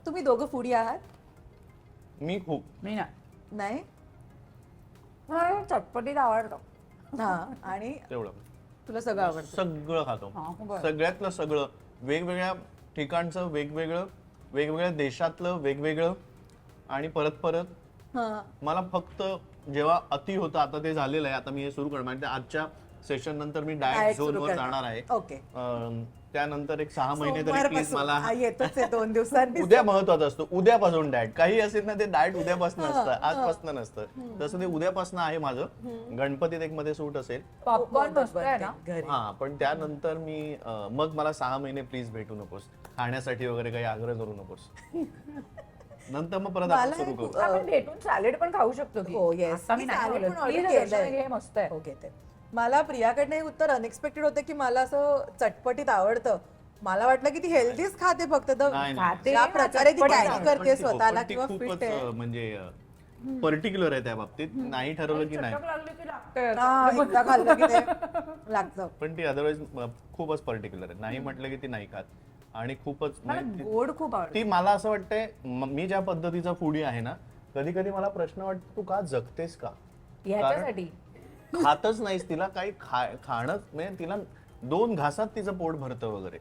तुम्ही दोघं फूडी आहात? मी खूप मी नाही. नाही चटपटीत आवडतं. हा, आणि तेवढं तुला सगळं आवडतं? सगळं खातो. हा, बरं. सगळ्यातलं सगळं, वेगवेगळ्या ठिकाणचं वेगवेगळं, वेगवेगळ्या देशातलं वेगवेगळं, आणि परत परत हा. मला फक्त जेव्हा अति होतं, आता ते झालेलं आहे, आता मी हे सुरू करणार म्हणजे आजच्या सेशन नंतर मी डाएट Diet झोन सुरू वर करणार. जाणार आहे. ओके. त्यानंतर एक 6 महिने तरी प्लीज सोमवारपासून. मला हा, येतोच आहे 2 दिवसांनी. उद्या महत्वाचा असतो, उद्यापासून डाएट काही असेल ना, ते डाएट उद्यापासून असतं, आजपासून नसतं. तसं ते उद्यापासून आहे माझं. गणपतीत एक मध्ये सूट असेल. पॉपकॉर्न मस्त आहे ना. घरी. हा, पण त्यानंतर मी मग मला 6 महिने प्लीज भेटू नकोस, खाण्यासाठी वगैरे काही आग्रह करू नकोस. नंतर मग परत आपण मला सुरू एक, करू. आपण भेटून सॅलेड पण खाऊ शकतो की. हो, yes. आता मी मी नाही salad बोलत. पण order Please, केलंय. दर्शना, हे मस्त आहे. ओके. ते मला प्रियाकडनं हे उत्तर अनएक्सपेक्टेड होतं की मला असं चटपटीत आवडतं. मला वाटलं की ती हेल्दीच खाते फक्त. नाही, नाही. खाते. ज्या प्रकारे ती चटपटीत कॅरी आवडतं. करते पण ती स्वतःला किंवा खूपच फिट आहे. म्हणजे पर्टिक्युलर आहे त्या बाबतीत. नाही ठरवलं की नाही, चटक लागली की लागतं. हा, एकदा खाल्लं की ते लागतं. पण ती अदरवाईज खूपच पर्टिक्युलर आहे. नाही म्हटलं की ती नाही खात, आणि खूपच मला म्हणजे गोड खूप आवडतं. ती मला असं वाटतंय, मी ज्या पद्धतीचा फूडी आहे ना, कधी कधी मला प्रश्न वाटतो, तू का जगतेस का? ह्याच्यासाठी खातच नाहीस, तिला काही खाणं म्हणजे तिला 2 घासात तिचं पोट भरतं वगैरे.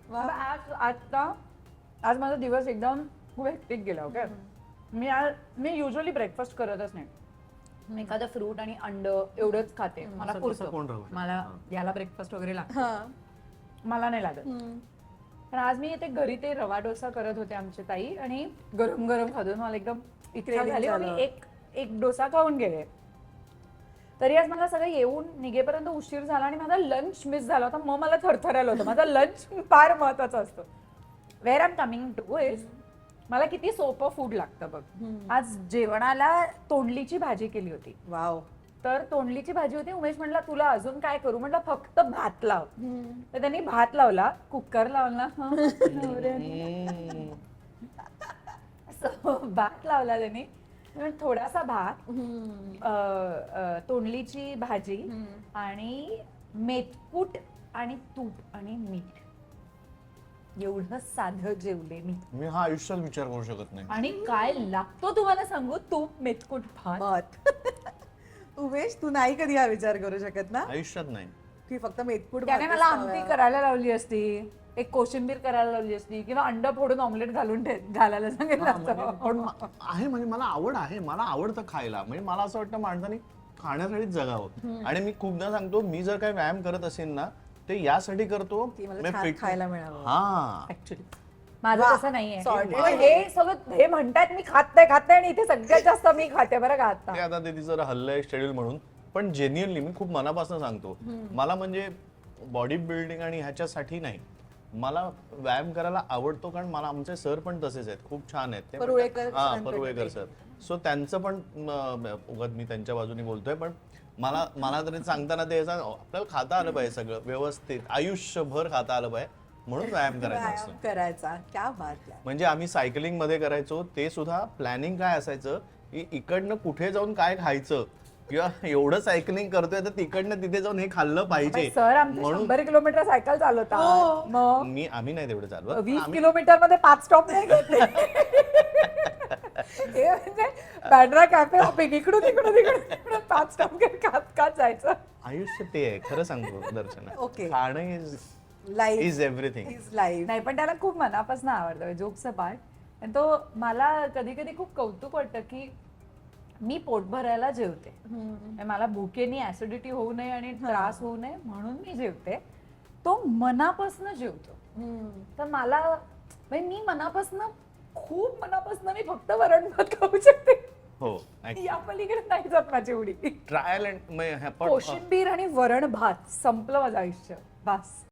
आज माझा दिवस एकदम खूप हेक्टिक गेला. ओके, मी युजली ब्रेकफास्ट करतच नाही. मी एखादं फ्रूट आणि अंड एवढंच खाते. मला असं कसं कोण राहू पुरतं. शकतं? मला याला ब्रेकफास्ट वगैरे लागतो, हा. मला नाही लागत. पण आज मी इथे घरी ते रवा डोसा करत होते आमची ताई, आणि गरम गरम खातो. मला एकदम इच्छा Craving झाली, मग झालं. मी एक डोसा खाऊन गेले. तरी आज मला सगळं येऊन निघेपर्यंत उशीर झाला आणि माझा लंच मिस झाला होता. मग मला थरथरायला होतं. माझा लंच फार महत्वाचा असतो. Where I am coming to is, मला किती सोपं फूड लागतं बघ. आज जेवणाला तोंडलीची भाजी केली होती. वाव. तर तोंडलीची भाजी होती. उमेश म्हटला तुला अजून काय करू? म्हटलं फक्त भात लाव. तर त्यांनी भात लावला, कुकर लावला. भात लावला त्यांनी. थोडासा भात, तोंडलीची भाजी आणि मेथकूट आणि तूप आणि मीठ, एवढं साधं जेवले मी. मी हा आयुष्यात विचार करू शकत नाही. आणि काय लागतो तुम्हाला सांगू, तूप मेथकूट भात. मत. उमेश, तू नाही कधी हा विचार करू शकत ना आयुष्यात नाही. की फक्त मेथकूट त्याने भातच मला खावा. आमटी करायला लावली असती, एक कोशिंबीर करायला लावली असती, किंवा अंड फोडून ऑमलेट घालून घालायला सांगितलं हा, म्हणजे असतं. पण आहे, म्हणजे मला आवड आहे, मला आवडतं खायला. म्हणजे मला असं वाटतं माणसाने खाण्यासाठीच जगावं. आणि मी खूपदा सांगतो, मी जर काही व्यायाम करत असेल ना, ते यासाठी करतो की मला म्हणजे छान fit- खायला मिळावं. हा, ऍक्च्युली माझं वा, तसं नाहीये. sorted. पण हे सगळं हे म्हणतात मी खात नाही, आणि इथे सगळ्यात जास्त मी खाते बरं का आता. ते आता ते तिचं हल्लंय शेड्यूल म्हणून. पण जेन्युअनली मी खूप मनापासून सांगतो, मला म्हणजे बॉडी बिल्डिंग आणि ह्याच्यासाठी नाही, मला व्यायाम करायला आवडतो. कारण मला आमचे सर पण तसेच आहेत, खूप छान आहेत ते. परुळेकर हा, सरांकडे परुळेकर सर. सो त्यांचं पण उगाच मी त्यांच्या बाजूने बोलतोय, पण मला तरी सांगताना ते आपल्याला खाता आलं पाहिजे, सगळं व्यवस्थित आयुष्यभर खाता आलं पाहिजे, म्हणून व्यायाम करायचा असतो. व्यायाम करायचा. क्या बात आहे. म्हणजे आम्ही सायकलिंग मध्ये करायचो, ते सुद्धा प्लॅनिंग काय असायचं की इकडनं कुठे जाऊन काय खायचं, किंवा एवढं सायकलिंग करतोय तर तिकडनं तिथे जाऊन हे खाल्लं पाहिजे. सर आमचे म्हणून 100 किलोमीटर सायकल चालवतात. मग आम्ही नाही तेवढं चालवत. 20 किलोमीटर मध्ये 5 स्टॉप नाही घेतले. हे म्हणजे बॅड्रा कॅफे हॉपिंग, इकडून 5 स्टॉप खात जायचं. आयुष्य ते आहे, खरं सांगतो दर्शना. Okay. खाणं life is everything. Is life. नाही, पण त्याला खूप मनापासून आवडतं, जोक्स पार्ट. आणि तो मला कधी कधी खूप कौतुक वाटतं की मी पोट भरायला जेवते. म्हणजे मला भुकेनी ऍसिडिटी होऊ नये आणि त्रास होऊ नये म्हणून मी जेवते. तो मनापासून जेवतो. तर मला म्हणजे मी मनापासून, खूप मनापासून मी फक्त वरण भात खाऊ शकते. हो, या पलीकडे नाही जात माझी एवढी. ट्रायल अँड कोशिंबीर आणि वरण भात संपलं माझं आयुष्य. बस.